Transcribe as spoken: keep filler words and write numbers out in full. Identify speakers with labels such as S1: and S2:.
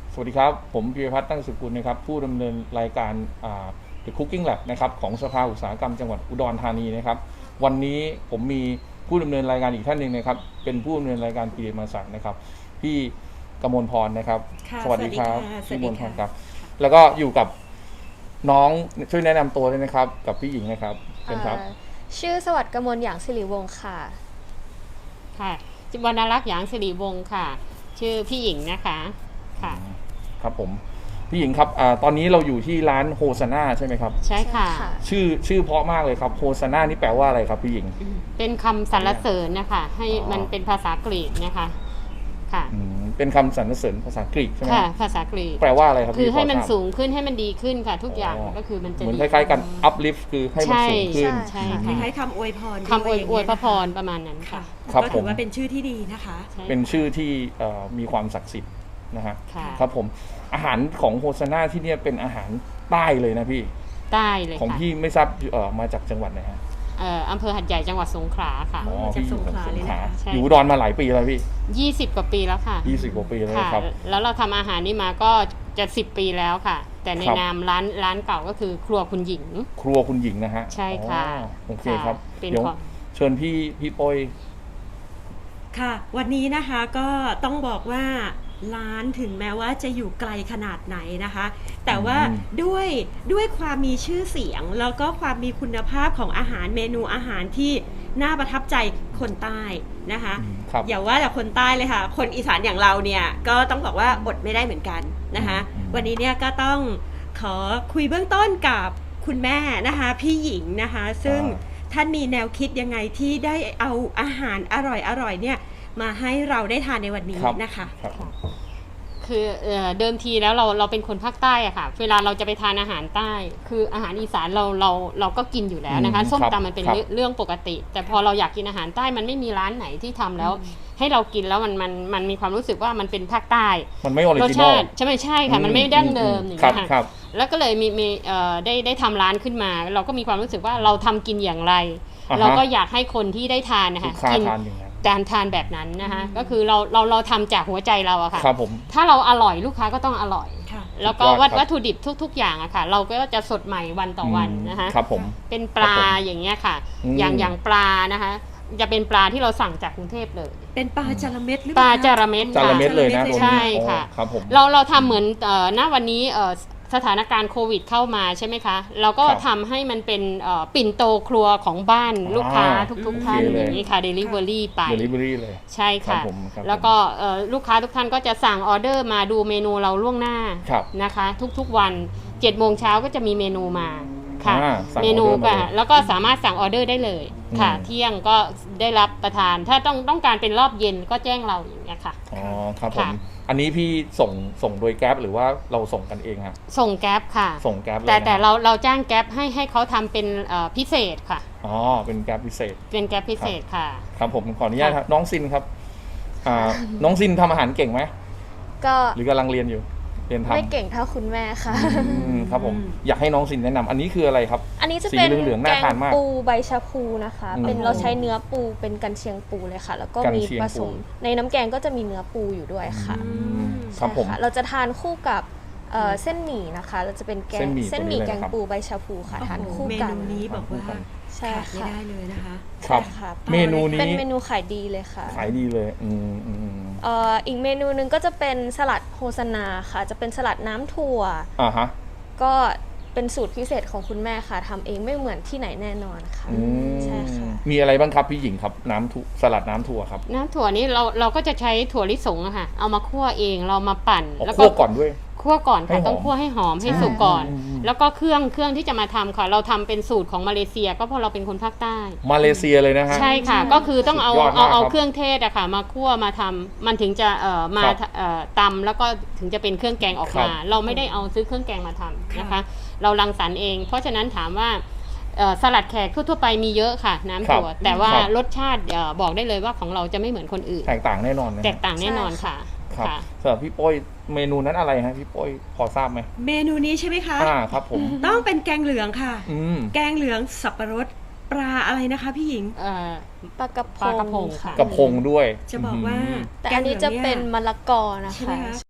S1: สวัสดีครับผมพิพัฒน์ตั้งสุกุลนะครับผู้ดำเนินรายการ The Cooking Lab นะครับของสภาอุตสาหกรรมจังหวัดอุดรธานีนะครับวันนี้ผมมีผู้ดำเนินรายการอีกท่านหนึ่งนะครับเป็นผู้ดำเนินรายการปีเดมาสันนะครับพี่กมลพรนะครับสวัสดีครับพี่กมลพรครับแล้วก็อยู่กับน้องช่วยแนะนำตัวด้วยนะครับกับพี่หญิงนะครับเป็นครับ
S2: ชื่อสวัสดิ์กมลหยางสิริวงศ์ค่ะ
S3: ค่ะจิวรรณรักษ์หยางสิริวงศ์ค่ะชื่อพี่หญิงนะคะค่ะ
S1: ครับผมพี่หญิงครับอตอนนี้เราอยู่ที่ร้านโฮซาน่าใช่ไหมครับ
S3: ใช่ค่ะ
S1: ชื่อชื่อเพราะมากเลยครับโฮซาน่านี่แปลว่าอะไรครับพี่หญิง
S3: เป็นคำสรรเสริญนะคะให้มันเป็นภาษากรีกนะคะค่ะ
S1: เป็นคำสรรเสริญภาษากรีกใช่ไหม
S3: ค่ะภาษากรีก
S1: แปลว่าอะไรครับ
S3: คือให้มันสูงขึ้นให้มันดีขึ้นค่ะทุกอย่างก็คือมันจะ
S1: เหมือนคล้ายๆกัน uplift คือให้มันสูงขึ้น
S3: ใช่ค่ะ
S4: คล้ายๆคำอวยพร
S3: คำอวยอวยพระพรประมาณนั้นค่ะ
S4: ก็ถือว่าเป็นชื่อที่ดีนะคะ
S1: เป็นชื่อที่มีความศักดิ์สิทธิ์นะฮะครับผมอาหารของโฮซาน่าที่นี่เป็นอาหารใต้เลยนะพี่
S3: ใต้เลย
S1: ของพี่ไม่ทราบมาจากจังหวัดไหนฮะ
S3: อำเภอหัดใหญ่จังหวัดสงขลาค่ะ
S1: อ๋อพี่อยู่สงขลาอยู่อุดรมาหลายปีแล้วพี่
S3: ยี่สิบกว่าปีแล้วค่ะ
S1: ยี่สิบกว่าปีแล้วครับ
S3: แล้วเราทำอาหารนี่มาก็จะสิบปีแล้วค่ะแต่ในนามร้านร้านเก่าก็คือครัวคุณหญิง
S1: ครัวคุณหญิงนะฮะ
S3: ใช่ค่ะ
S1: โอเคครับเดี๋ยวเชิญพี่พี่ปอย
S4: ค่ะวันนี้นะคะก็ต้องบอกว่าร้านถึงแม้ว่าจะอยู่ไกลขนาดไหนนะคะแต่ว่าด้วยด้วยความมีชื่อเสียงแล้วก็ความมีคุณภาพของอาหารเมนูอาหารที่น่าประทับใจคนใต้นะคะอย่าว่าแต่คนใต้เลยค่ะคนอีสานอย่างเราเนี่ยก็ต้องบอกว่าอดไม่ได้เหมือนกันนะคะวันนี้เนี่ยก็ต้องขอคุยเบื้องต้นกับคุณแม่นะคะพี่หญิงนะคะซึ่งท่านมีแนวคิดยังไงที่ได้เอาอาหารอร่อยๆเนี่ยมาให้เราได้ทานในวันนี้นะคะ
S3: คือเดิมทีแล้วเราเราเป็นคนภาคใต้อะค่ะเวลาเราจะไปทานอาหารใต้คืออาหารอีสานเราเราเราก็กินอยู่แล้วนะคะส้มตำมันเป็นเรื่องปกติแต่พอเราอยากกินอาหารใต้มันไม่มีร้านไหนที่ทำแล้วให้เรากินแล้วมันมันมันมีความรู้สึกว่ามันเป็นภาคใต้
S1: มันไม่ออริจินอล
S3: ใช่ไหมใช่ค่ะมันไม่ดั้งเดิมอย่างเงี้ยค่ะแล้วก็เลยมีมีได้ได้ทำร้านขึ้นมาเราก็มีความรู้สึกว่าเราทำกินอย่างไรเราก็อยากให้คนที่ได้ทานนะคะ
S1: กิน
S3: จานทานแบบนั้นนะคะก็คือเราเราเราทำจากหัวใจเราอะค่ะ
S1: ครับผม
S3: ถ้าเราอร่อยลูกค้าก็ต้องอร่อยแล้วก็วัตวัตถุดิบทุกๆอย่างอะค่ะเราก็จะสดใหม่วันต่อวันนะคะ
S1: ครับผม
S3: เป็นปลาอย่างเงี้ยค่ะอย่างอย่างปลานะคะจะเป็นปลาที่เราสั่งจากกรุงเทพเลย
S4: เป็นปลาจาระเม็ดหรือ
S3: ปลาจาระเม็ด
S1: จาระเม็ดเลยนะ
S3: ใช่ค่ะเราเราทำเหมือนณวันนี้สถานการณ์โควิดเข้ามาใช่ไหมคะเราก็ทำให้มันเป็นปิ่นโตครัวของบ้านลูกค้าทุกๆท่านอย่างนี้ค่ะ Delivery ไป
S1: Delivery เลย
S3: ใช่ค่ะแล้วก็ลูกค้าทุกท่านก็จะสั่งออเดอร์มาดูเมนูเราล่วงหน้านะคะทุกๆวันเจ็ดโมงเช้าก็จะมีเมนูมาค่ะเมนูก็แล้วก็สามารถสั่งออเดอร์ได้เลยค่ะเที่ยงก็ได้รับประทานถ้าต้องต้องการเป็นรอบเย็นก็แจ้งเราอย่างเงี้ยค่ะ
S1: อ๋อครับผมอันนี้พี่ส่งส่งโดยแก๊ปหรือว่าเราส่งกันเองครับ
S3: ส่งแก๊ปค่ะ
S1: ส่งแก๊ป
S3: แต่แต่เราเราจ้างแก๊ปให้ให้เขาทำเป็นพิเศษค่ะ
S1: อ๋อเป็นแก๊ปพิเศษ
S3: เป็นแก๊ปพิเศษค่ะ
S1: ครับผมขออนุญาตครับน้องซินครับน้องซินทำอาหารเก่งไหม
S2: ก็
S1: หรือกำลังเรียนอยู่เรียนทำ
S2: ไม่เก่งเท่าคุณแม่ค่ะ
S1: ครับผมอยากให้น้องซินแนะนำอันนี้คืออะไรครับ
S2: อันนี้จะเป็นแกงปูใบชะพูนะคะเป็นเราใช้เนื้อปูเป็นกันเชียงปูเลยค่ะแล้วก็มีผสมในน้ำแกงก็จะมีเนื้อปูอยู่ด้วยค่ะ
S1: ครับผม
S2: เราจะทานคู่กับเส้นหมี่นะคะเราจะเป็นแกงเส้นหมี่แกงปูใบชะพูค่ะทานคู่กัน
S4: เมนูนี้บอกว่า
S2: ใช่
S4: ค่ะไม่ได้เลยนะคะ
S1: ครับเมนูนี้
S2: เป็นเมนูขายดีเลยค่ะ
S1: ขายดีเลยอืมอืม
S2: อีกเมนูนึงก็จะเป็นสลัดโฮซาน่าค่ะจะเป็นสลัดน้ำถั่ว
S1: อ่าฮะ
S2: ก็เป็นสูตรพิเศษของคุณแม่ค่ะทำเองไม่เหมือนที่ไหนแน่นอนค่ะใช่ค่ะ
S1: มีอะไรบ้างครับพี่หญิงครับน้ำถั่วสลัดน้ำถั่วครับ
S3: น้ำถั่วนี้เราเราก็จะใช้ถั่วลิสงอะค่ะเอามาคั่วเองเรามาปั่น
S1: แล้วก็คั่วก่อนด้วย
S3: คั่วก่อนค่ะต้องคั่วให้หอมให้สุกก่อนแล้วก็เครื่องเครื่องที่จะมาทำค่ะเราทำเป็นสูตรของมาเลเซียก็เพราะเราเป็นคนภาคใต้
S1: มาเลเซียเลยนะฮะ
S3: ใช่ค่ะก็คือต้องเอาเอาเอาเครื่องเทศอะค่ะมาคั่วมาทำมันถึงจะเอ่อมาเอ่อตำแล้วก็ถึงจะเป็นเครื่องแกงออกมาเราไม่ได้เอาซื้อเครื่องแกงมาทำนะคะเรารังสรรค์เองเพราะฉะนั้นถามว่าสลัดแขกทั่วๆไปมีเยอะค่ะน้ำถั่วแต่ว่ารสชาติบอกได้เลยว่าของเราจะไม่เหมือนคนอื่น
S1: แตกต่างแน่นอน
S3: แตกต่างแน่นอนค่ะ
S1: ครับสำหรับพี่ป้อยเมนูนั้นอะไรฮะพี่ป้อยพอทราบไหม
S4: เมนูนี้ใช่ไหมคะ
S1: อ่าครับผม
S4: ต้องเป็นแกงเหลืองค่ะแกงเหลืองสับปะรด ปลาอะไรนะคะพี่หญิง
S2: ปลากระพง
S3: ค่ะ
S1: กระพงด้วย
S4: จะบอกว่า
S2: แต่อันนี้จะเป็นมะละกอนะคะ